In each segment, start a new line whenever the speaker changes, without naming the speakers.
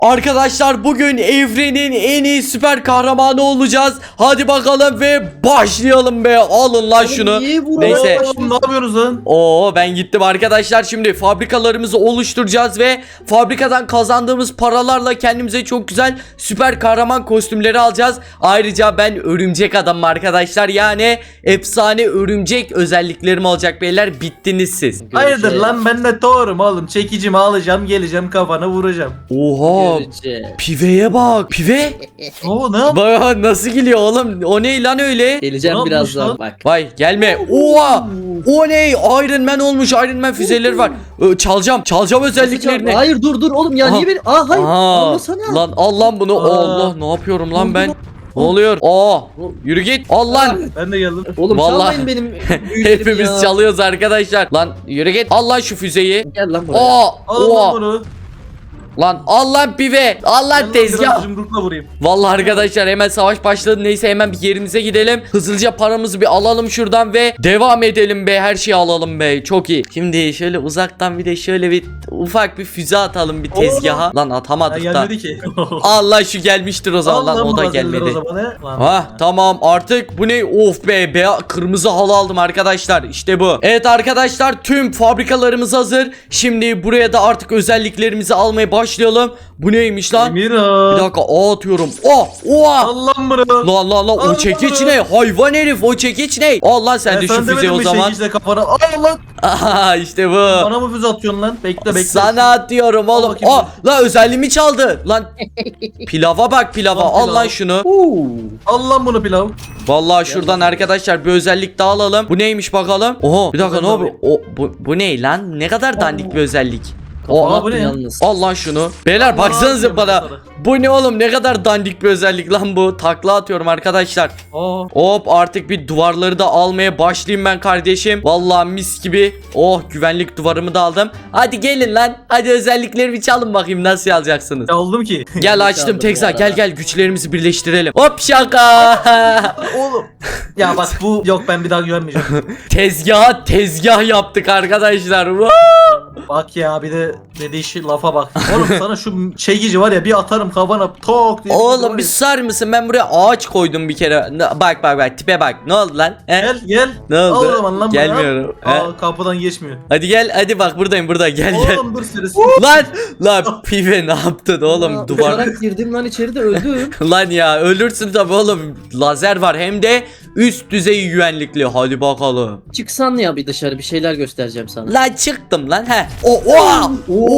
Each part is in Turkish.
Arkadaşlar bugün evrenin en iyi süper kahramanı olacağız. Hadi bakalım ve başlayalım be. Alın lan şunu. Neyse.
Ne yapıyorsunuz lan?
Oo, ben gittim arkadaşlar. Şimdi fabrikalarımızı oluşturacağız ve fabrikadan kazandığımız paralarla kendimize çok güzel süper kahraman kostümleri alacağız. Ayrıca ben örümcek adamım arkadaşlar. Yani efsane örümcek özelliklerim olacak beyler. Bittiniz siz.
Hayırdır lan, ben de Thor'um oğlum. Çekicimi alacağım, geleceğim, kafana vuracağım.
Oha. Piveye bak. Pive.
Oo, ne yap?
Bak nasıl geliyor oğlum. O ne lan öyle?
Geleceğim
Ne yapmış
birazdan
lan?
bak.
Vay gelme. Oha. O ne? Iron Man olmuş. Iron Man füzeleri var. Çalacağım. Çalacağım özelliklerini.
Hayır dur oğlum ya,
Aha.
niye beni? Hayır.
Aa,
Almasana.
lan al lan bunu.
Aa.
Allah ne yapıyorum lan ben? Ne oluyor? Aa, yürü git. Al lan.
Ben de geldim.
Oğlum
Vallahi-
çalmayın benim büyülerimi
Hepimiz
ya.
çalıyoruz arkadaşlar. Lan yürü git. Al lan şu füzeyi.
Gel lan buraya.
Aa,
Al
oha.
bunu.
Lan al lan pive. Al lan
Biraz
tezgah.
yumrukla vurayım.
Vallahi arkadaşlar hemen savaş başladı. Neyse hemen bir yerimize gidelim. Hızlıca paramızı bir alalım şuradan ve devam edelim be. Her şeyi alalım be. Çok iyi. Şimdi şöyle uzaktan bir de şöyle bir ufak bir füze atalım bir tezgaha. Lan
Ha,
atamadık da.
gelmedi ki.
Allah şu gelmiştir o zaman. Lan
Al
o da
malzemeleri
gelmedi.
o zaman, he? Lan.
Ha tamam artık bu ne? Of be, kırmızı halı aldım arkadaşlar. İşte bu. Evet arkadaşlar tüm fabrikalarımız hazır. Şimdi buraya da artık özelliklerimizi almaya başlayalım. Bu neymiş lan? Bir
Mira.
dakika atıyorum. Oh! Oha!
Al lan bunu.
Lan o
Allah
çekiç
Allah.
ne? Hayvan herif o çekiç ne? Al lan sen de şu füzeyi o zaman.
Çekiçle kafana. Al lan.
Aha işte bu.
Bana mı füze atıyorsun lan? Bekle.
Sana atıyorum oğlum.
bakayım.
Lan özelliğimi çaldı. Lan pilava bak pilava.
Lan
Al
pilav.
lan şunu.
Al lan bunu pilav.
Vallahi şuradan arkadaşlar bir özellik daha alalım. Bu neymiş bakalım? Oha bir dakika ne
Ben de
yapıyor? Bu ne lan? Ne kadar dandik bir özellik.
Aa, bu ne?
Yalnız.
Al lan şunu. Beyler
Allah
baksanıza
Allah,
bana.
sana.
Bu ne oğlum? Ne kadar dandik bir özellik lan bu. Takla atıyorum arkadaşlar.
Aa.
Hop artık bir duvarları da almaya başlayayım ben kardeşim. Vallahi mis gibi. Oh güvenlik duvarımı da aldım. Hadi gelin lan. Hadi özelliklerimi çalın bakayım nasıl alacaksınız.
Aldım ki.
Gel açtım
Çaldım
Tekza.
bu
Gel
arada.
gel güçlerimizi birleştirelim. Hop şaka.
Oğlum. Ya bak bu yok, ben bir daha güvenmeyeceğim.
Tezgah yaptık arkadaşlar.
Bak ya, bir de dediği şey, lafa bak. Oğlum sana şu çekici var ya, bir atarım kafana tok diye.
Oğlum bir susar mısın? Ben buraya ağaç koydum bir kere. Bak tipe bak. Ne oldu lan? He?
Gel.
Ne oldu?
Al o zaman lan bunu.
Gelmiyorum. He?
Aa, kapıdan geçmiyor.
Hadi gel hadi bak buradayım burada gel.
Oğlum dur süresi.
Lan pive ne yaptın oğlum
Aa,
duvar.
uçarak girdim lan, içeride öldüm.
Lan ya ölürsün tabi oğlum. Lazer var hem de üst düzey güvenlikli. Hadi bakalım.
Çıksan ya bir dışarı, bir şeyler göstereceğim sana.
Lan çıktım lan he. Oha!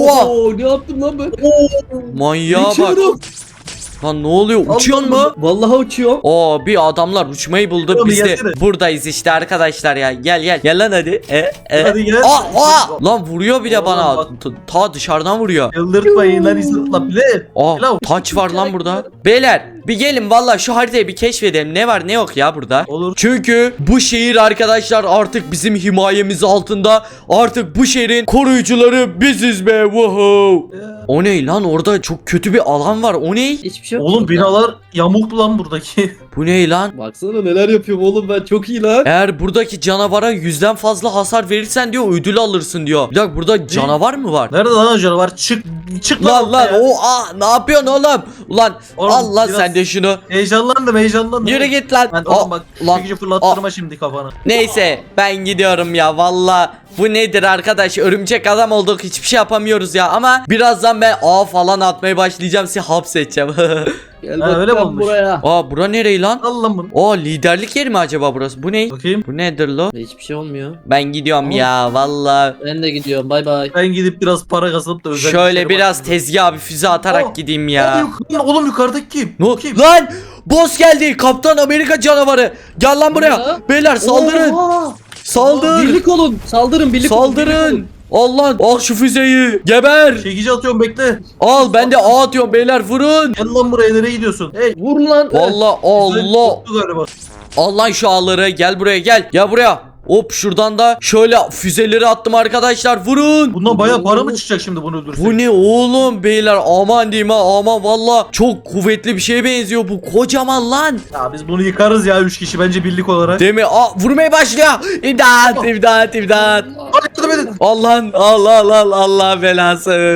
Ne yaptım lan ben?
Manyağa bak.
Uçuyorum.
Lan ne oluyor? Uçuyor mu?
Vallahi uçuyorum.
Oo bir adamlar uçmayı buldu.
Oğlum,
Biz de
gelsene.
buradayız işte arkadaşlar ya. Gel. Gel lan hadi.
Hadi gel.
Lan vuruyor bile
Oğlum
bana.
bak.
Ta dışarıdan vuruyor.
Yıldırtmayın lan, izletla bile. Pilav.
Taç var lan burada. Beyler bir gelin valla şu haritayı bir keşfedelim. Ne var ne yok ya burada.
Olur.
Çünkü bu şehir arkadaşlar artık bizim himayemiz altında. Artık bu şehrin koruyucuları biziz be. Woohoo. O ne lan, orada çok kötü bir alan var. O ne?
Hiçbir şey yok.
Oğlum
burada.
binalar yamuklu lan buradaki.
Bu ne lan?
Baksana neler yapıyorum oğlum ben, çok iyi lan.
Eğer buradaki canavara 100'den fazla hasar verirsen diyor ödül alırsın diyor. Bir dakika burada canavar mı var?
Nerede lan o canavar? Çık
Lan
ortaya.
ne yapıyorsun oğlum? Ulan
Oğlum,
al lan
biraz-
sen de şunu.
Heyecanlandım.
Yürü git lan.
Ben oğlum bak
lan.
çekici fırlattırma şimdi kafana.
Neyse ben gidiyorum ya valla. Bu nedir arkadaş, örümcek adam olduk, hiçbir şey yapamıyoruz ya. Ama birazdan ben ağ falan atmaya başlayacağım, sizi hapsedeceğim.
Gel
Ha, öyle mi
bakalım
olmuş?
buraya.
Bura nereye lan?
Al lan bunu.
Liderlik yeri mi acaba burası? Bu ne?
Bakayım.
Bu nedir lo?
Hiçbir şey olmuyor.
Ben gidiyorum
Oğlum.
ya valla.
Ben de gidiyorum, bay bay.
Ben gidip biraz para kazanıp da özel
Şöyle
işlere
biraz
başlayayım.
tezgaha bir füze atarak
Oh,
gideyim ya.
Oğlum yukarıdaki kim?
Ne?
Kim?
Lan! Boss geldi. Kaptan Amerika canavarı. Gel lan buraya.
Ya.
Beyler saldırın.
Oha!
Saldır.
Birlik olun. Saldırın, birlik olun, birlik
Saldırın.
olun.
Allah al şu füzeyi. Geber.
Çekici atıyorum, bekle.
Al ben de ağ atıyorum beyler, vurun.
Gel lan buraya, nereye gidiyorsun? Hey.
Vur lan.
Vallahi Allah.
Korktu galiba.
Al lan şu ağları, gel buraya gel. Gel buraya. Hop şuradan da şöyle füzeleri attım arkadaşlar, vurun.
Bundan bayağı para mı çıkacak şimdi bunu öldürsek?
Bu ne oğlum beyler, aman diyeyim ha, aman valla çok kuvvetli bir şeye benziyor bu, kocaman lan.
Ya biz bunu yıkarız ya 3 kişi bence birlik olarak.
Değil mi? Vurmaya başlıyor. İmdat imdat imdat.
Hadi yardım edin.
Allah Allah Allah Allah belası.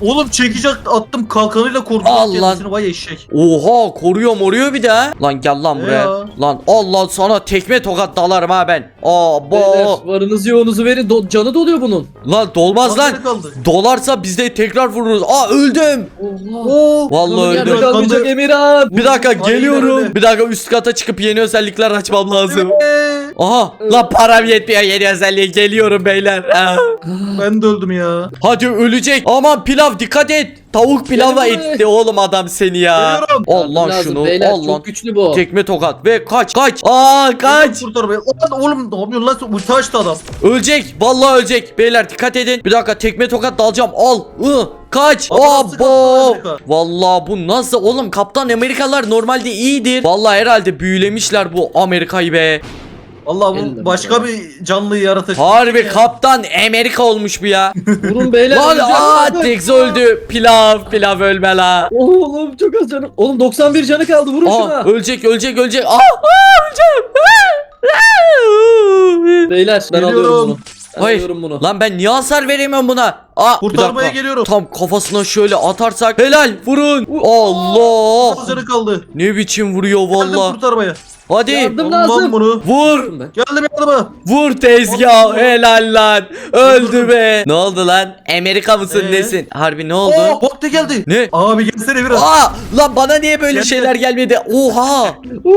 Oğlum çekici attım kalkanıyla korudum.
Allah.
Kendisini vay eşek.
Oha koruyor bir de ha. Lan gel lan buraya.
Ya.
Lan Allah sana tekme tokat dalarım ha ben.
Beyler
Abo.
varınızı yoğunuzu verin. Canı doluyor bunun.
Lan dolmaz lan.
Kalkanı kaldı.
Dolarsa biz de tekrar vururuz. Öldüm.
Oha.
Oo.
Vallahi
Kanım yerde
öldüm.
kalmayacak Emirhan.
Bir dakika
Aynen
geliyorum.
öyle.
Bir dakika üst kata çıkıp yeni özellikler açmam lazım.
Ee,
Aha lan param yetmiyor yeni özelliğe geliyorum beyler. Ah.
Ben de öldüm ya.
Hadi ölecek. Aman pilav dikkat et. Tavuk pilavla
Gelin buraya.
etti oğlum adam seni ya.
Geliyorum.
Al lan
Lazım
şunu.
beyler,
Al lan.
çok güçlü bu.
Tekme tokat ve kaç. Kaç. Kaç.
Kurtar beni. Lan oğlum ne yapıyorsun lan? Ulti açtı adam.
Ölecek. Vallahi ölecek. Beyler dikkat edin. Bir dakika tekme tokat dalacağım. Al. Kaç.
Adam nasıl
Abo.
Kaptan Amerika?
Vallahi bu nasıl oğlum Kaptan Amerikalılar normalde iyidir. Vallahi herhalde büyülemişler bu Amerika'yı be.
Allah
Elle
bu başka bir canlıyı yaratacak.
Harbi Kaptan Amerika olmuş bu ya.
Vurun beyler.
Lan
öleceğim.
Tex öldü. Pilav ölme la.
Oğlum çok az canım. Oğlum 91 canı kaldı. Vurun şuna.
Ölecek. Öleceğim. Öleceğim.
Beyler ben
Geliyorum.
alıyorum bunu. Ben
Hayır.
alıyorum bunu.
Lan ben niye hasar veremiyorum buna? Bir
Kurtarmaya
dakika.
geliyorum.
Tam kafasına şöyle atarsak helal vurun. Allah.
Canı kaldı.
Ne biçim vuruyor
Geldim
vallahi.
kurtarmaya.
Hadi
Yardım
Almam
lazım.
bunu.
vur.
Ben.
Geldim yardıma.
Vur tezgah helal lan. Öldü be. Ne oldu lan? Amerika mısın
Ee?
nesin? Harbi ne oldu?
Oo bok da geldi.
Ne?
Abi gelsene biraz.
Lan bana niye böyle
Gel,
şeyler gelmedi? Oha.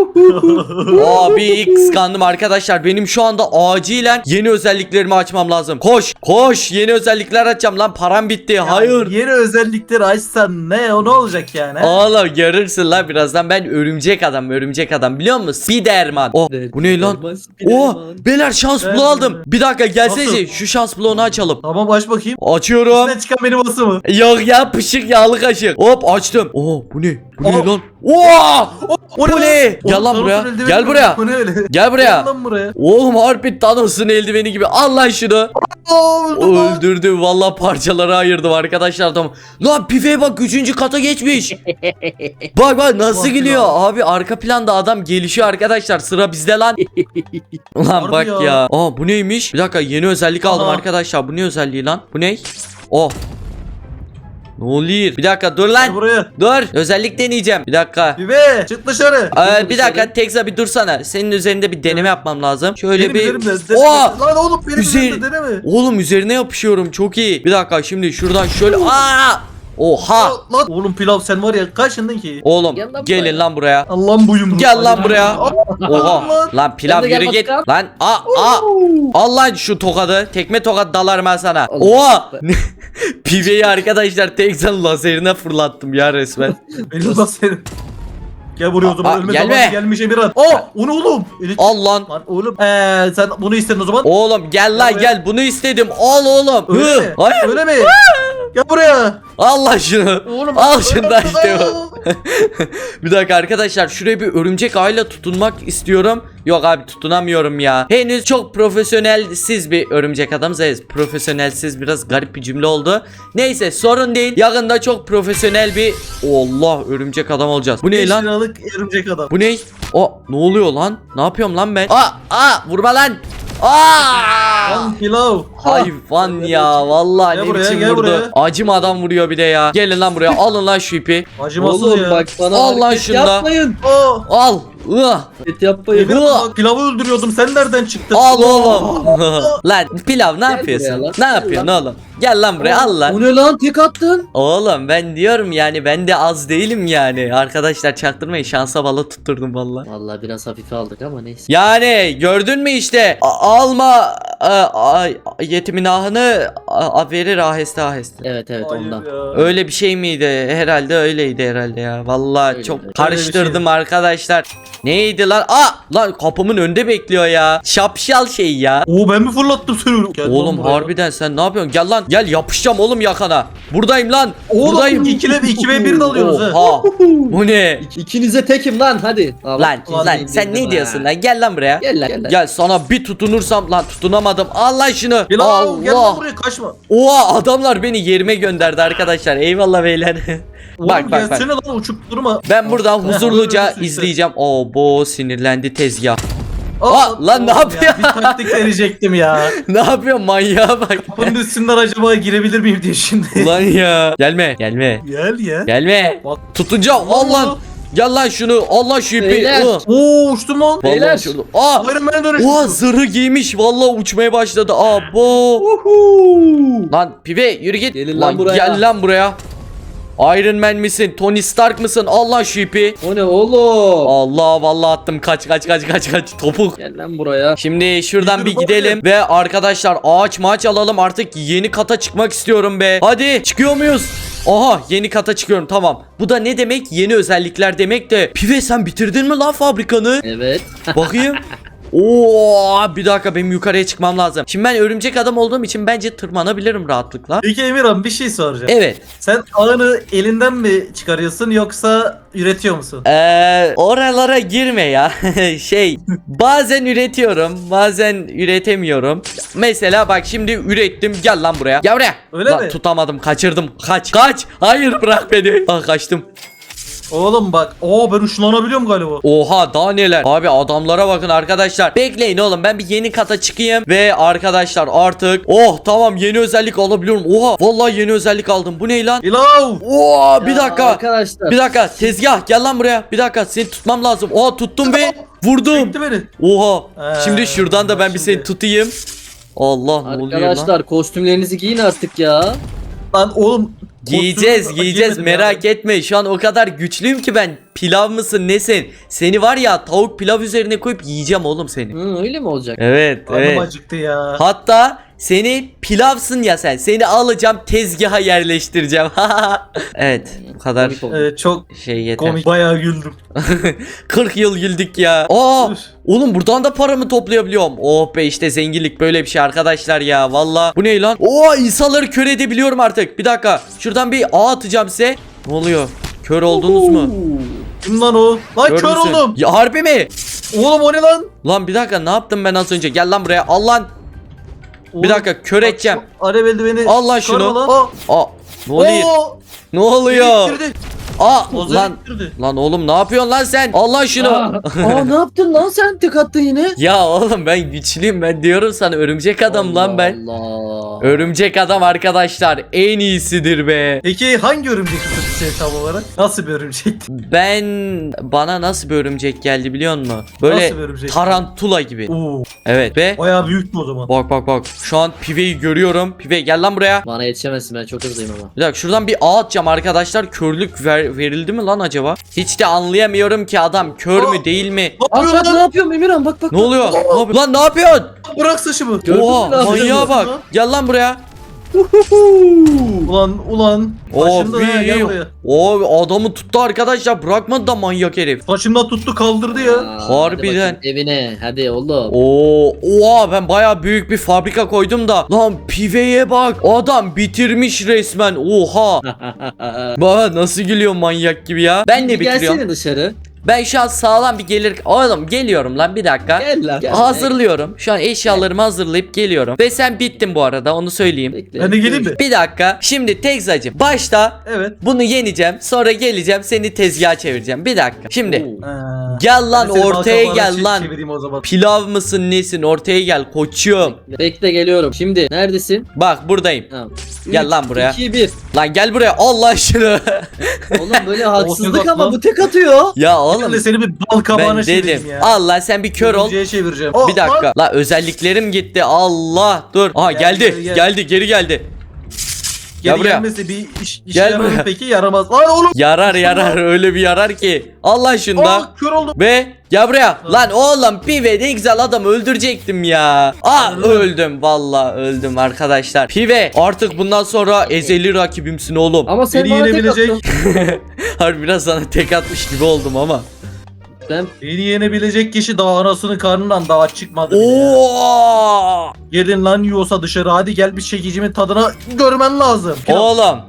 Abi kıskandım arkadaşlar. Benim şu anda acilen yeni özelliklerimi açmam lazım. Koş yeni özellikler açacağım lan param bitti. Hayır.
Yeni özellikleri açsan ne olacak yani? he?
Oğlum görürsün lan birazdan ben örümcek adam biliyor musun? Spiderman. Bu ne lan? Beyler şans bloğu aldım. Bir dakika gelsene
Nasıl?
şu şans bloğunu açalım.
Tamam aç bakayım.
Açıyorum.
İçinden çıkan benim ası mı?
Yok ya pışık yağlı kaşık. Hop açtım. Bu ne? Bu ne
Aa.
lan?
O
Bu ne? Gel lan buraya. Gel buraya.
Bu ne öyle?
Gel buraya.
Gel lan buraya.
Oğlum harbi Thanos'un eldiveni gibi. Al lan şunu.
Öldüm lan.
Öldürdü. Vallahi parçalara ayırdım arkadaşlar. Tamam. Lan Pife'ye bak 3. kata geçmiş. Bak nasıl
Bak
gülüyor.
ya.
Abi arka planda adam gelişiyor arkadaşlar. Sıra bizde lan. Lan
Harbi
bak
ya.
ya. Bu neymiş? Bir dakika yeni özellik aldım
Aha.
arkadaşlar. Bu ne özelliği lan? Bu ne? Ne oluyor? Bir dakika dur
Gel
lan.
buraya.
Dur. Özellik deneyeceğim. Bir dakika.
Bibe çık dışarı.
Bir dakika Tekza bir dursana. Senin üzerinde bir deneme yapmam lazım. Şöyle
Benim
bir.
üzerimde.
Oha!
Lan oğlum benim
Üzeri-
üzerimde deneme.
Oğlum üzerine yapışıyorum. Çok iyi. Bir dakika şimdi şuradan şöyle. Oha.
Lan oğlum pilav sen var ya kaçındın ki?
Oğlum
Gel lan
gelin
buraya.
lan buraya.
Allah'ım bu yumruk.
Gel lan buraya.
Aa,
Oha.
lan.
Lan pilav
Ben de gel
yürü git.
bakalım.
Lan al lan şu tokadı. Tekme tokat dalarım ben sana.
Allah.
Oha. Piveyi arkadaşlar Tekza'nın lazerine fırlattım ya resmen.
Benim lan senin. Gel buraya o zaman
Aa,
ölme
gelme.
zamanı gelmiş Emirhan. O ne oğlum?
Al lan.
Lan oğlum sen bunu istedin o zaman.
Oğlum gel lan
Gel
gel bunu istedim. Al oğlum.
Öyle mi?
Hayır.
Öyle mi? Gel buraya.
Al lan şunu.
Oğlum,
Al şunu da
öyle-
işte bu. Bir dakika arkadaşlar şuraya bir örümcek ağıyla tutunmak istiyorum. Yok abi tutunamıyorum ya. Henüz çok profesyonelsiz bir örümcek adamız. Evet profesyonelsiz biraz garip bir cümle oldu. Neyse sorun değil. Yakında çok profesyonel bir Allah örümcek adam olacağız. Bu ne
5
lan?
liralık örümcek adam.
Bu ne? Ne oluyor lan? Ne yapıyorum lan ben? Vurma lan.
Lan pilav.
Hayvan ya vallahi
Gel
ne
buraya,
biçim
gel
vurdu.
buraya.
Acımadan vuruyor bir de ya. Gelin lan buraya alın lan şu ipi.
Acımasız
Oğlum
ya.
bak bana
Al lan
hareket
şunu da.
yapmayın.
Al.
Hareket yapmayın.
Emirhan bak, pilavı öldürüyordum. Sen nereden çıktın?
Al oğlum. Lan pilav ne
Gel
yapıyorsun?
buraya lan.
Ne yapıyorsun
Gel
oğlum? Gel lan buraya al lan.
O ne lan tek attın?
Oğlum ben diyorum yani ben de az değilim yani. Arkadaşlar çaktırmayın şansa bala tutturdum valla.
Vallahi biraz hafife aldık ama neyse.
Yani gördün mü işte alma yetimin ahını verir aheste aheste.
Evet
Hayır
ondan.
ya.
Öyle bir şey miydi? Herhalde öyleydi herhalde ya. Vallahi
Öyle
çok
öyle.
karıştırdım
Öyle bir
arkadaşlar. Neydi lan? Lan kapımın önünde bekliyor ya. Şapşal şey ya.
Oo ben mi fırlattım seni? Gel lan
Oğlum
buraya.
harbiden sen ne yapıyorsun? Gel lan. Gel yapışacağım oğlum yakana. Buradayım lan.
Oğlum
Buradayım.
2 ve 1 dalıyoruz ha.
Oha. Bu ne?
İkinize tekim lan hadi. Al.
Lan
Vallahi
sen ne
bildim
diyorsun
ha.
lan? Gel lan buraya.
Gel lan gel lan.
Gel sana bir tutunursam lan tutunamadım. Al lan şunu.
Pilav gel lan
Allah.
buraya kaçma.
Oha adamlar beni yerime gönderdi arkadaşlar. Eyvallah beyler.
Oğlum
bak.
gelsene lan uçup durma.
Ben buradan huzurluca
Öldürürsün işte.
izleyeceğim. Bu sinirlendi tezgah. Lan ne
oğlum
yapıyor?
ya, bir taktik verecektim ya.
Ne yapıyor manyağa bak.
Bunun üstünden acaba girebilir miyim diye şimdi.
Ulan ya. Gelme.
Gel ya.
Gelme.
Bak.
Tutunca al lan. Gel lan şunu. Allah şu ipi.
Beyler.
Oo uçtum lan.
Beyler.
Vallahi şunu. Aa.
Iron Man'e dönüştüm.
Oha zırhı giymiş. Vallahi uçmaya başladı. Abo. Lan pibe yürü git.
Gelin lan buraya.
Gel lan buraya. Iron Man misin? Tony Stark mısın? Allah şu ipi.
O ne oğlum?
Allah vallahi attım. Kaç. Topuk.
Gel lan buraya.
Şimdi şuradan bir
Yürü
gidelim ve arkadaşlar ağaç maç alalım, artık yeni kata çıkmak istiyorum be. Hadi çıkıyor muyuz? Aha yeni kata çıkıyorum, tamam. Bu da ne demek? Yeni özellikler demek de. Pive sen bitirdin mi lan fabrikanı?
Evet.
Bakayım. Oo, bir dakika benim yukarıya çıkmam lazım. Şimdi ben örümcek adam olduğum için bence tırmanabilirim rahatlıkla.
Peki Emirhan bir şey soracağım.
Evet.
Sen ağını elinden mi çıkarıyorsun yoksa üretiyor musun?
Oralara girme ya. Bazen üretiyorum, bazen üretemiyorum. Mesela bak şimdi ürettim. Gel lan buraya. Gel buraya.
Öyle
Lan,
mi?
tutamadım. Kaçırdım. Kaç. Hayır bırak beni. Kaçtım.
Oğlum bak. Ben ışınlanabiliyorum galiba.
Oha daha neler. Abi adamlara bakın arkadaşlar. Bekleyin oğlum, ben bir yeni kata çıkayım. Ve arkadaşlar artık tamam yeni özellik alabiliyorum. Oha vallahi yeni özellik aldım. Bu ne lan?
Pilav.
Oha bir
Ya
dakika.
Arkadaşlar.
Bir dakika tezgah gel lan buraya. Bir dakika seni tutmam lazım. Oha tuttum ve vurdum.
Çekti beni.
Oha. Şimdi şuradan da ben bir seni
şimdi.
tutayım. Allah ne oluyor lan?
Arkadaşlar kostümlerinizi giyin artık ya.
Lan oğlum.
Giyeceğiz
Giymedim
merak
ya.
etme. Şu an o kadar güçlüyüm ki ben. Pilav mısın nesin? Seni var ya tavuk pilav üzerine koyup yiyeceğim oğlum seni.
Öyle mi olacak?
Evet
Karnım acıktı ya.
Hatta seni pilavsın ya sen. Seni alacağım tezgaha yerleştireceğim. Evet bu kadar
Komik oldu.
Çok
yeter.
komik. Bayağı güldüm.
40 yıl güldük ya.
Üf.
Oğlum buradan da paramı toplayabiliyorum. Oh be işte zenginlik böyle bir şey arkadaşlar ya. Valla bu ne lan? İnsanları kör edebiliyorum artık. Bir dakika. Şuradan bir ağ atacağım size. Ne oluyor? Kör oldunuz mu?
Kim lan o? Lan
Kör
kör
müsün?
oldum.
Ya harbi mi?
Oğlum o ne lan?
Lan bir dakika ne yaptım ben az önce? Gel lan buraya. Al lan. Bir dakika kör
Bak,
edeceğim.
şu Alev eldiveni.
Al lan
çıkarma
şunu.
Lan.
Ne oluyor? Ne oluyor?
Bitirdi.
Lan
Lan. Bitirdi.
lan oğlum ne yapıyorsun lan sen? Allah şunu.
Ne yaptın lan sen, tek attın yine.
Ya oğlum ben güçlüyüm, ben diyorum sana örümcek adam lan ben.
Allah.
Örümcek adam arkadaşlar en iyisidir be.
Peki hangi örümcek şey tam olarak? Nasıl bir örümcek?
Bana nasıl bir örümcek geldi biliyor musun? Böyle
Nasıl bir örümcek?
tarantula gibi.
Oo,
Evet be.
bayağı büyük mü o zaman?
Bak. Şu an Pive'yi görüyorum. Pive gel lan buraya.
Bana yetişemezsin, ben çok hızlıyım ama.
Bir dakika şuradan bir ağ atacağım arkadaşlar. Körlük verildi mi lan acaba? Hiç de anlayamıyorum ki adam kör mü değil mi?
Ne yapıyor
Bak ne
lan?
yapıyorum Emirhan, bak.
Ne oluyor? Ne yapıyor? Lan ne yapıyorsun?
Bırak saçımı.
Gördün mü
Oha
ne yapacağım
manyağa
ya?
bak. Gel lan buraya.
Ulan. Başımda ha, gel buraya.
Adamı tuttu arkadaşlar. Bırakmadı da manyak herif.
Saçımdan tuttu kaldırdı ya.
Harbiden.
Hadi bakayım evine, hadi oğlum.
Oha ben baya büyük bir fabrika koydum da. Lan Pive'ye bak. Adam bitirmiş resmen. Oha. Bak nasıl gülüyor manyak gibi ya. Ben de bitiriyorum.
Gelsene dışarı.
Ben şu an sağlam bir gelir. Oğlum geliyorum lan bir dakika.
Gel lan. Gel.
Hazırlıyorum. Şu an eşyalarımı hazırlayıp geliyorum. Ve sen bittin bu arada, onu söyleyeyim.
Bekle.
Ben de geleyim mi?
Bir dakika. Şimdi Tekzacığım başta
Evet.
bunu yeneceğim. Sonra geleceğim seni tezgaha çevireceğim. Bir dakika. Şimdi
Oo.
gel lan
Ben seni
ortaya
balkonlara
gel lan.
çevireyim o zaman.
Pilav mısın nesin? Ortaya gel koçum.
Bekle geliyorum. Şimdi neredesin?
Bak buradayım.
Tamam.
Gel lan buraya.
2 1.
Lan gel buraya. Allah şunu.
Oğlum böyle haksızlık
Olsun
ama
lan.
bu tek atıyor.
Ya
Ben
oğlum
de seni bir bal kabağına
ben
çevireyim
dedim.
ya.
Allah sen bir kör ol.
Örümceğe çevireceğim.
Bir dakika. La özelliklerim gitti. Allah dur. Aha
Gel,
geldi.
gel.
Geldi geri geldi. Gel
Geri
buraya.
gelmesi bir işe
Gel
yarar mı
buraya.
peki? Yaramaz. Lan oğlum.
Yarar öyle bir yarar ki. Allah şunda.
Kör oldum.
Ve gel buraya. Lan oğlum Pive ne güzel adam öldürecektim ya. Öldüm. Vallahi öldüm arkadaşlar. Pive artık bundan sonra ezeli rakibimsin oğlum.
Ama sen
Beni
bana tek
yenebilecek.
attın.
Harbi biraz sana tek atmış gibi oldum ama.
Ben
Beni yenebilecek kişi daha anasının karnından daha çıkmadı bile ya.
Oo!
Gelin lan yiyorsa dışarı hadi gel bir çekicimin tadına görmen lazım. Pilav.
Oğlum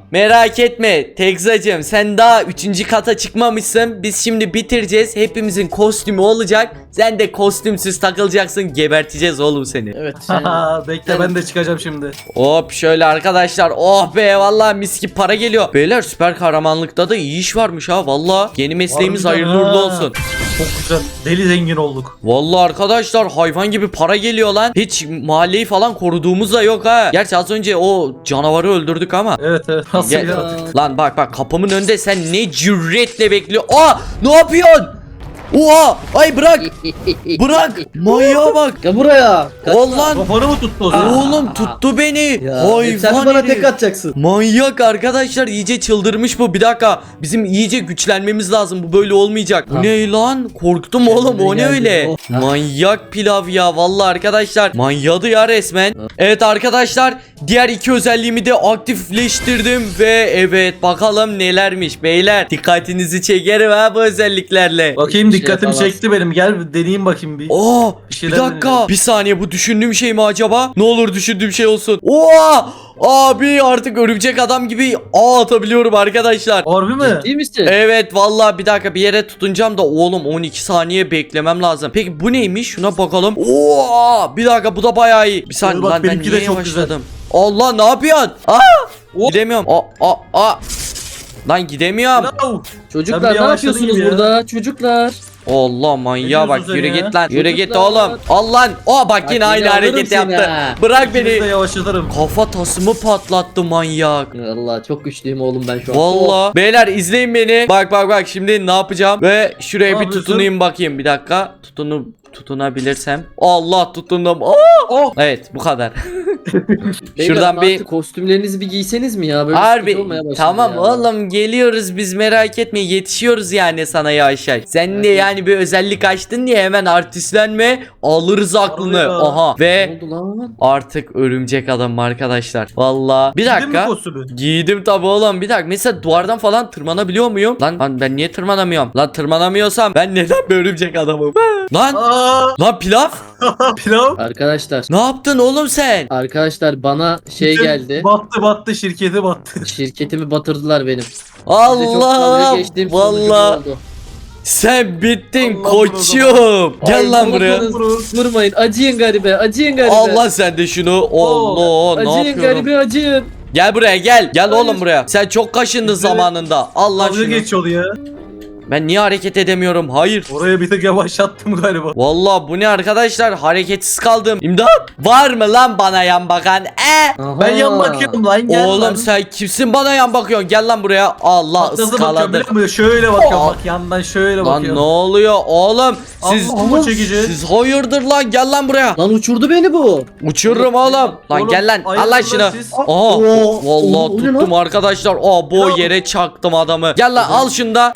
Merak etme Tekzacığım, sen daha 3. kata çıkmamışsın. Biz şimdi bitireceğiz. Hepimizin kostümü olacak. Sen de kostümsüz takılacaksın. Geberteceğiz oğlum seni.
Evet. Sen...
Bekle ben de çıkacağım şimdi.
Hop şöyle arkadaşlar. Oh be vallahi mis gibi para geliyor. Beyler süper kahramanlıkta da iyi iş varmış ha valla. Yeni mesleğimiz
Harbiden
hayırlı uğurlu
ha.
olsun.
Çok güzel. Deli zengin olduk.
Vallahi arkadaşlar hayvan gibi para geliyor lan. Hiç mahalleyi falan koruduğumuz da yok ha. Gerçi az önce o canavarı öldürdük ama.
Evet. Nasıl
Gel-
ya?
Lan bak kapımın önünde sen ne cüretle bekliyor. Aa ne yapıyorsun? Oha ay bırak. Bırak. Manyağa bak.
Gel buraya.
Ulan
Kafanı mı tuttu o zaman?
oğlum tuttu beni.
Ya, sen de
Hayvan
bana
herif.
tek atacaksın.
Manyak arkadaşlar, iyice çıldırmış bu. Bir dakika, bizim iyice güçlenmemiz lazım, bu böyle olmayacak. Bu
Ha.
ne lan, korktum oğlum, o ne
geldi.
öyle.
Oh.
Manyak pilav ya vallahi arkadaşlar, manyadı ya resmen. Evet arkadaşlar, diğer iki özelliğimi de aktifleştirdim ve evet bakalım nelermiş beyler. Dikkatinizi çekerim ha bu özelliklerle.
Bakayım
Bir şey
dikkatimi
yapamaz.
çekti benim. Gel bir deneyeyim bakayım bir.
Aa,
Bir
bir
şeyler
dakika,
deneyelim.
bir saniye, bu düşündüğüm şey mi acaba? Ne olur düşündüğüm şey olsun. Oha! Abi artık örümcek adam gibi ağ atabiliyorum arkadaşlar.
Harbi mi?
Ciddi misin?
Evet vallahi bir dakika, bir yere tutunacağım da oğlum 12 saniye beklemem lazım. Peki bu neymiş? Şuna bakalım. Oo! Bir dakika, bu da bayağı iyi. Bir saniye
Bak,
lan, ben
benimki de
niye
çok
yavaşladım? Allah ne yapıyorsun? Gidemiyorum. Lan gidemiyorum.
Bravo.
Çocuklar
Sen bir
ne
yavaşladın
yapıyorsunuz
gibi ya.
burada? Çocuklar.
Allah manyağa bak,
diyorsun
yürü
sen ya?
git lan. Yürü git
Çocuklar.
oğlum. Al lan. Bak yine
Bak,
aynı
yine alırım
hareket
seni
yaptı.
ha.
Bırak
İkinizi de
beni.
yavaşlatırım.
Kafa tasımı patlattı manyak.
Allah çok güçlüyüm oğlum ben şu an.
Vallahi beyler izleyin beni. Bak şimdi ne yapacağım? Ve şuraya
Ne
bir
yapıyorsun?
tutunayım bakayım, bir dakika. Tutunabilirsem. Allah tutundum.
Oh.
Evet bu kadar.
Beyler,
Şuradan bir
artık kostümlerinizi bir giyseniz mi ya? Böyle
harbi
sıkıntı olmaya başladı
tamam
ya.
oğlum, geliyoruz biz, merak etme, yetişiyoruz yani sana yavşak. Sen de
Hadi.
yani bir özellik açtın diye hemen artistlenme, alırız aklını.
ya.
Aha
Ne
ve
oldu lan?
artık örümcek adam arkadaşlar. Vallahi bir
Giydin mi
dakika.
kostümü?
Giydim tabi oğlum, bir dakika, mesela duvardan falan tırmanabiliyor muyum? Lan ben niye tırmanamıyorum? Lan tırmanamıyorsam ben neden bir örümcek adamım? Lan
Aa,
pilav,
pilav.
Arkadaşlar.
ne yaptın oğlum sen?
Arkadaşlar bana şey geldi.
Battı şirketi battı.
Şirketimi batırdılar benim. Size çok
Allah
dalga geçtiğim sonucu
vallahi
oldu.
sen bittin
Allah
koçum. Gel
Ay,
lan buraya.
vurmadınız. Vurmayın. Acıyın garibe. Acıyın garibe.
Allah sen de şunu. Allah ne
Acıyın
yapıyorum?
garibe acıyın.
Gel buraya gel. Gel
Hayır.
oğlum buraya. Sen çok kaşındın
Bize-
zamanında. Allah
Dalga
şunu.
geçiyordu ya.
Ben niye hareket edemiyorum? Hayır.
Oraya bir tek yavaşlattım galiba.
Vallahi bu ne arkadaşlar? Hareketsiz kaldım. İmdat. Var mı lan bana yan bakan?
Aha.
Ben yan bakıyorum lan gel
Oğlum
lan.
sen kimsin bana yan bakıyorsun? Gel lan buraya. Allah
Bak nasıl bakıyorum
ıskaladı.
biliyor musun? Şöyle bakıyorum
Aa.
bak yandan şöyle
Lan
bakıyorum.
ne oluyor oğlum? Siz
Allah Allah çekici.
siz hayırdır lan? Gel lan buraya.
Lan uçurdu beni bu.
Uçururum oğlum. Lan
Oğlum,
gel lan.
hayırdır
Al lan
lan
şunu.
siz?
Aha.
Oo,
Vallahi
o ne
tuttum arkadaşlar. Bu
Ya.
yere çaktım adamı. Gel lan al şunu da.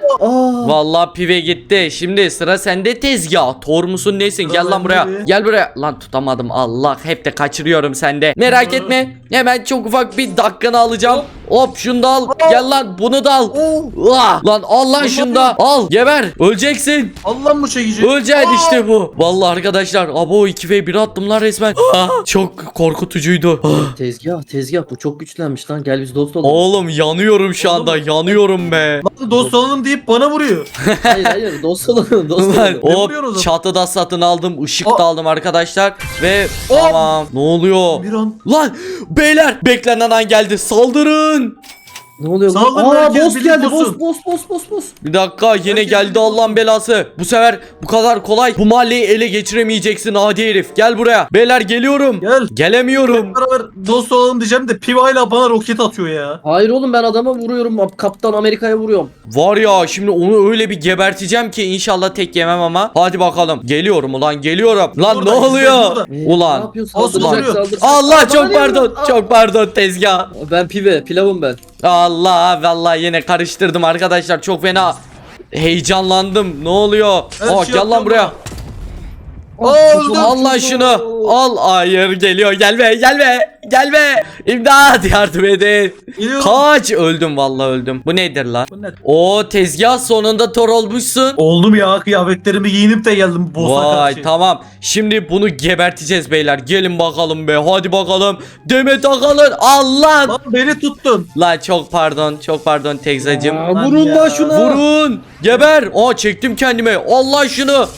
Aa.
Vallahi pive gitti. Şimdi sıra sende tezgah. Tor musun nesin?
Sıra
Gel lan
bende
buraya.
mi?
Gel buraya. Lan tutamadım. Allah hep de kaçırıyorum sende. Merak
Hı.
etme. Hemen çok ufak bir dakikanı alacağım. Hop şunu da al. Gel lan bunu da al. Lan al lan
Ne
şunu da. Al. Geber. Öleceksin.
Allah bu çekici.
Öleceksin işte bu. Vallahi arkadaşlar. Abo 2v1 attım lan resmen. Çok korkutucuydu.
Tezgah bu çok güçlenmiş lan. Gel biz dost olalım.
Oğlum yanıyorum şu anda. Yanıyorum be.
Lan dost olalım deyip bana vuruyor.
Hayır dost olalım. Dost
Lan
olalım.
Ne
hop
vuruyorsun o zaman?
çatıda satın aldım, ışık
O-
da aldım arkadaşlar ve
O-
tamam. Ne oluyor?
Bir an.
Lan beyler, beklenen an geldi, saldırın.
Ne oluyor lan?
Saldırın
Aa
herkes,
boss
birlik
geldi.
olsun.
Boss.
Bir dakika, yine
Herkes
geldi
birlik
Allah'ın
olsun.
belası. Bu sefer bu kadar kolay bu mahalleyi ele geçiremeyeceksin adi herif. Gel buraya. Beyler geliyorum.
Gel.
Gelemiyorum.
Hep beraber dost olalım diyeceğim de Piva'yla bana roket atıyor ya.
Hayır oğlum ben adama vuruyorum. Kaptan Amerika'ya vuruyorum.
Var ya, şimdi onu öyle bir geberteceğim ki inşallah tek yemem ama. Hadi bakalım. Geliyorum ulan, geliyorum. Lan
Burada,
ne
izle,
oluyor?
burada.
Ne
Ulan.
yapıyorsun?
Olsun,
Saldıracak,
oluyor.
saldıracak.
Allah
Bana
çok
ne
pardon.
vuruyorsun? Aa,
Çok pardon tezgah.
Ben pilavım ben.
Allah vallahi yine karıştırdım arkadaşlar, çok fena heyecanlandım. Ne oluyor?
Ben
Aa
şey
gel lan
yapıyorum
buraya.
ama. Öldüm.
Al lan şunu. Al. Hayır geliyor. Gelme gelme. Gelme. İmdat yardım edin.
Geliyorum.
Kaç. Öldüm vallahi öldüm. Bu nedir lan?
Bu ne?
O tezgah sonunda Thor olmuşsun.
Oldum ya, kıyafetlerimi giyinip de geldim boss'a
Vay
karşı.
tamam. Şimdi bunu geberteceğiz beyler. Gelin bakalım be. Hadi bakalım. Demet Akalın. Allah.
Lan beni tuttun.
Lan çok pardon. Çok pardon Tegzacım.
Aa,
Lan
vurun
ya.
lan şuna.
Vurun. Geber. Aa çektim kendime. Allah şunu.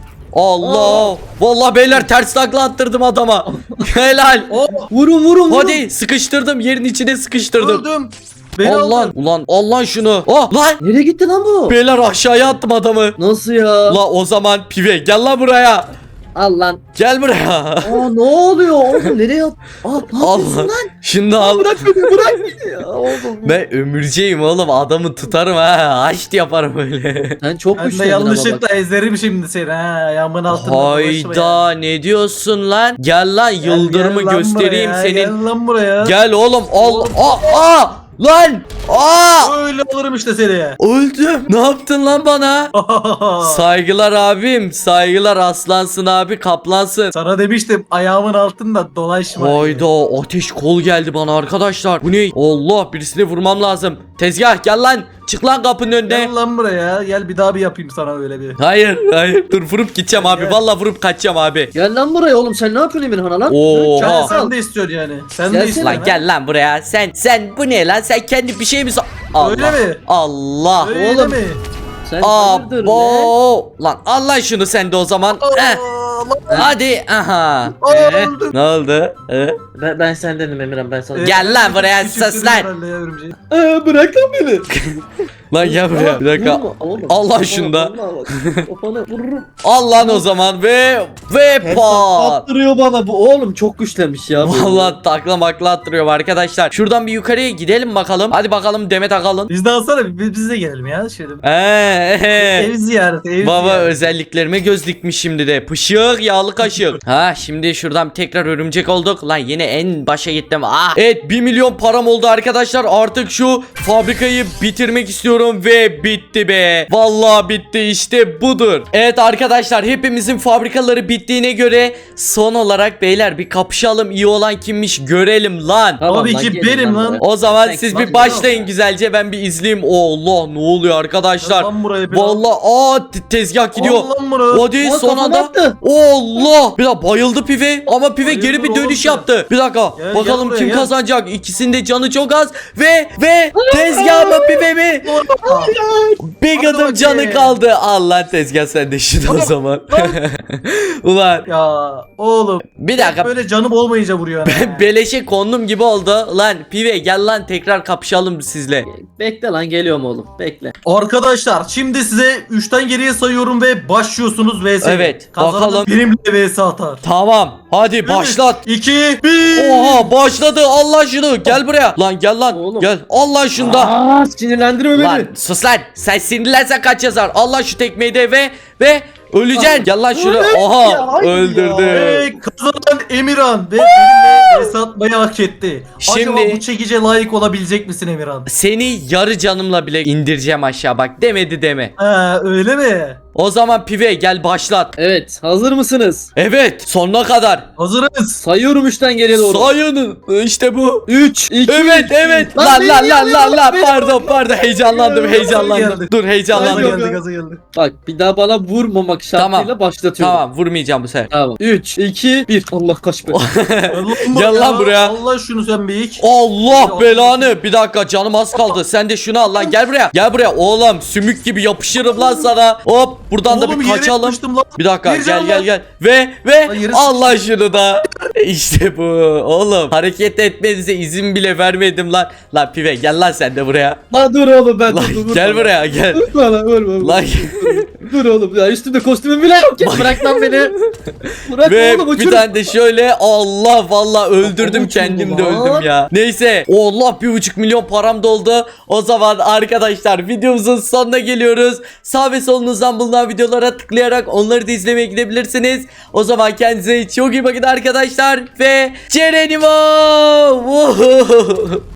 Allah. Vallahi beyler ters takla attırdım adama. Helal.
Oh,
Vurun.
Hadi sıkıştırdım. Yerin içine sıkıştırdım.
öldüm. Beni
Allah.
aldın.
Ulan Allah şunu. Oh lan.
Nereye gitti lan bu?
Beyler aşağıya attım adamı.
Nasıl ya?
La o zaman pive gel lan buraya.
Al lan.
Gel buraya.
Aa ne oluyor oğlum nereye at? Aa ne
Al
yapıyorsun
lan.
lan?
Şunu da al.
Bırak beni ya oğlum.
Ben ömürceyim oğlum. Adamı tutarım ha. Haşt yaparım öyle.
Sen çok
Ben de
güçlendin ama bak.
yanlışlıkla ezerim şimdi seni ha. Ayağımın altında dolaşma ya.
Hayda ne diyorsun lan? Gel lan
Gel,
yıldırımı
gel lan
göstereyim
buraya,
senin.
Gel lan buraya.
Gel oğlum. Al. Aa. Lan. Aa.
Öyle alırım işte seni.
Öldüm. Ne yaptın lan bana? Saygılar abim. Saygılar aslansın abi. Kaplansın.
Sana demiştim ayağımın altında dolaşma.
Hayda ateş kol geldi bana arkadaşlar. Bu ne? Allah birisini vurmam lazım. Tezgah gel lan. Çık lan kapının önüne.
Gel lan buraya. Gel bir daha bir yapayım sana öyle bir.
Hayır. Dur vurup gideceğim abi.
Gel.
Vallahi vurup kaçacağım abi.
Gel lan buraya oğlum sen ne yapıyorsun Emirhan'a lan?
Oo.
Gel,
Oha.
sen de istiyorsun yani. Sen de
Gelsene
istiyorsun.
Lan gel lan buraya. Sen bu ne lan? Sen kendi bir şey mi Allah.
Öyle mi?
Allah.
Öyle
Oğlum.
mi?
Sen hayırdır lan?
Abo. Lan Allah şunu sen de o zaman. Eh, hadi. Aha.
Öldüm.
Ne oldu?
Ben sendenim Emirhan ben sana.
Gel lan buraya,
Küçülttün
sus lan.
herhalde ya örümceği.
Bırak lan beni.
Lan gel buraya. Bir dakika.
Vurma, oğlum.
Allah
Kafana,
şunda.
vallahi bak. Kafana vururum.
Al lan o zaman ve pat.
Attırıyor bana bu oğlum çok güçlenmiş ya. bu.
Vallahi takla makla attırıyor arkadaşlar. Şuradan bir yukarıya gidelim bakalım. Hadi bakalım Demet Akalın.
Biz de alsana biz de gelelim ya şöyle.
Eee.
Ev ziyareti ev
Baba
ziyareti.
özelliklerime göz dikmiş şimdi de. Pışık yağlı kaşık. Ha şimdi şuradan tekrar örümcek olduk. Lan yine en başa gittim. Ah. Evet 1 milyon param oldu arkadaşlar. Artık şu fabrikayı bitirmek istiyorum ve bitti be. Vallahi bitti işte budur. Evet arkadaşlar hepimizin fabrikaları bittiğine göre son olarak beyler bir kapışalım. İyi olan kimmiş görelim lan.
Tamam
Tabii
lan,
ki
gelin
benim lan.
buraya.
O zaman
Sen
siz
bak,
bir başlayın güzelce ben bir izleyeyim. Allah ne oluyor arkadaşlar.
Lan buraya bir
Vallahi tezgah gidiyor.
Al lan bunu.
Hadi
Aa,
son
kafama
anda.
attı.
Allah. Bir dakika bayıldı pive ama pive
Hayırdır
geri bir
oğlum
dönüş
sen?
yaptı. Bir dakika.
Gel,
Bakalım
gel buraya,
kim
gel.
kazanacak. İkisinin de canı çok az ve tezgah mı pive mi? Bir
Hadi
adım canı
bakayım.
kaldı. Allah tezgah sen de şunu o zaman. Ulan
Ya oğlum.
bir dakika.
Böyle canım olmayınca vuruyor.
Ben beleşe kondum gibi oldu. Lan pive gel lan tekrar kapışalım sizle.
Bekle lan geliyorum oğlum bekle.
Arkadaşlar şimdi size 3'ten geriye sayıyorum ve başlıyorsunuz vs.
Evet,
Kazanan
bakalım.
benimle vs atar.
Tamam. Hadi başlat.
2 1.
Oha başladı. Allah şunu. Gel buraya. Lan gel lan.
Oğlum.
Gel. Allah şunda.
Aa sinirlendirme beni.
Lan sus lan. Sen sinirlensen kaç yazar. Allah şu tekmeyi de ve öleceksin. Gel lan şunu.
Öyle
Aha
ya, hayır
öldürdü.
Ve kazanan Emirhan ve benimle vs atmayı hak etti.
Şimdi-
Acaba bu çekice layık olabilecek misin Emirhan?
Seni yarı canımla bile indireceğim aşağı bak. Demedi deme.
Ha öyle mi?
O zaman pive gel başlat.
Evet hazır mısınız?
Evet sonuna kadar.
Hazırız.
Sayıyorum 3'ten geriye doğru.
Sayının işte bu.
3 2
Evet.
Lan
Lan
beni
lan
yanıyor, beni
pardon heyecanlandım
Gaza
heyecanlandım.
geldi.
Dur
Gaza
heyecanlandım.
Yok,
geldi
yok.
gaza geldi.
Bak bir daha bana vurmamak şartıyla
Tamam.
başlatıyorum.
Tamam vurmayacağım bu sefer.
Tamam. 3 2 1. Allah kaç be.
Gel lan buraya.
Allah şunu sen bir iç.
Allah belanı. Bir dakika canım az kaldı. Sen de şunu al lan. Gel buraya. Gel buraya. Oğlum sümük gibi yapışırım lan sana. Hop buradan da
Oğlum,
bir
yere
kaçalım.
yapıştım lan.
Bir dakika
Vereceğim
gel
lan.
gel. Ve
Lan yere
Allah şunu da. İşte bu. Oğlum hareket etmenize izin bile vermedim lan. Lan pive gel lan sen de buraya.
Lan dur oğlum ben
Lan
dur,
gel
bana.
buraya gel.
Dur bana vurma.
Lan
Dur oğlum ya üstümde kostümüm bile yok ya bırak lan beni. Bırak
ve
oğlum
bir
uçur.
tane de şöyle Allah vallahi öldürdüm
Uçurdu
kendim de
lan.
öldüm ya. Neyse Allah 1,5 milyon param doldu. O zaman arkadaşlar videomuzun sonuna geliyoruz. Sağ ve solunuzdan bulunan videolara tıklayarak onları da izlemeye gidebilirsiniz. O zaman kendinize çok iyi bakın arkadaşlar ve Cerenimo.